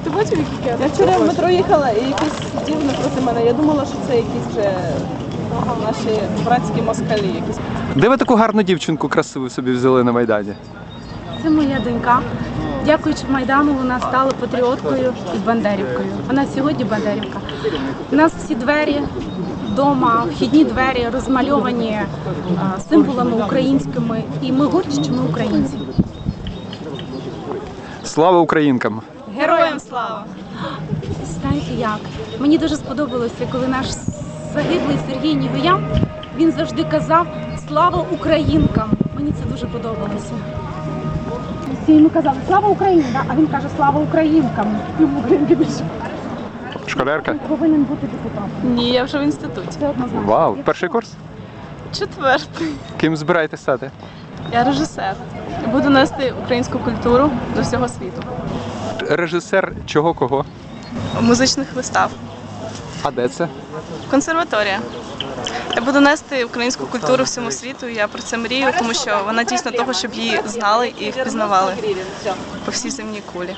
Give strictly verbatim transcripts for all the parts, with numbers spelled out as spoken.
Ти бачив, які я? Я вчора в метро їхала і якийсь дів напроти мене. Я думала, що це якісь вже наші братські москалі якісь. Де ви таку гарну дівчинку красиву собі взяли на Майдані? Це моя донька. Дякуючи Майдану, вона стала патріоткою і бандерівкою. Вона сьогодні бандерівка. У нас всі двері вдома, вхідні двері розмальовані а, символами українськими. І ми горді, що ми українці. Слава українкам! Героям слава! Знаєте як? Мені дуже сподобалося, коли наш загиблий Сергій Нігоян, він завжди казав «Слава українкам!». Мені це дуже подобалося. Всі йому казали «Слава Україні!», да? А він каже «Слава українкам!». Йому українки більше. Школярка? Він повинен бути депутатом. Ні, я вже в інституті. Це однозначно. Вау, перший курс? Четвертий. Ким збираєтесь стати? Я режисер. І буду нести українську культуру до всього світу. Режисер чого кого? Музичних вистав. А де це? Консерваторія. Я буду нести українську культуру всьому світу. Я про це мрію, тому що вона дійсно того, щоб її знали і впізнавали по всій земній кулі.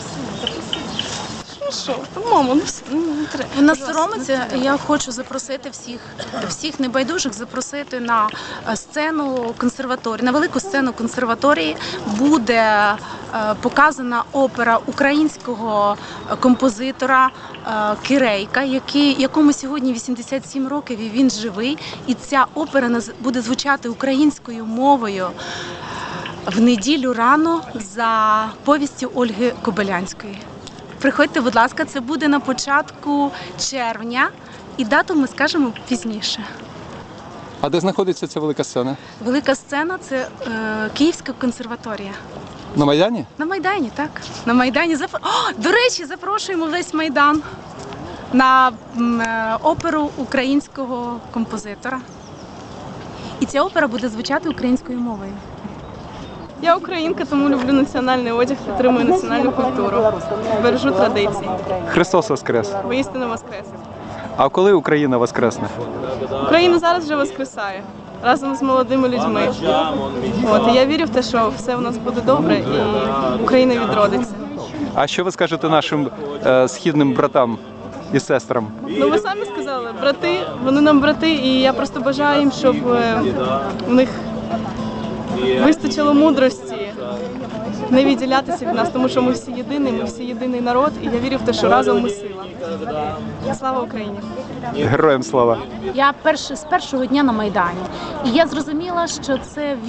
Ну що, мамо, ну все, ну не треба. Вона соромиться. Я хочу запросити всіх, всіх небайдужих запросити на сцену консерваторії, на велику сцену консерваторії буде е, показана опера українського композитора е, Кирейка, який, якому сьогодні вісімдесят сім років, і він живий. І ця опера наз- буде звучати українською мовою в неділю рано за повістю Ольги Кобилянської. Приходьте, будь ласка, це буде на початку червня, і дату ми скажемо пізніше. А де знаходиться ця велика сцена? Велика сцена – це е, Київська консерваторія. На Майдані? На Майдані, так. На Майдані. Запро... О, до речі, запрошуємо весь Майдан на м, е, оперу українського композитора. І ця опера буде звучати українською мовою. Я українка, тому люблю національний одяг, підтримую національну культуру, бережу традиції. Христос Воскрес! Воістину воскрес. А коли Україна воскресне? Україна зараз вже воскресає разом з молодими людьми. От, і я вірю в те, що все у нас буде добре і Україна відродиться. А що ви скажете нашим е, східним братам і сестрам? Ну ви самі сказали, брати, вони нам брати, і я просто бажаю їм, щоб е, в них вистачило мудрості не відділятися від нас, тому що ми всі єдині, ми всі єдиний народ, і я вірю в те, що разом ми сила. Слава Україні! Героям слава! Я перш, з першого дня на Майдані. І я зрозуміла, що це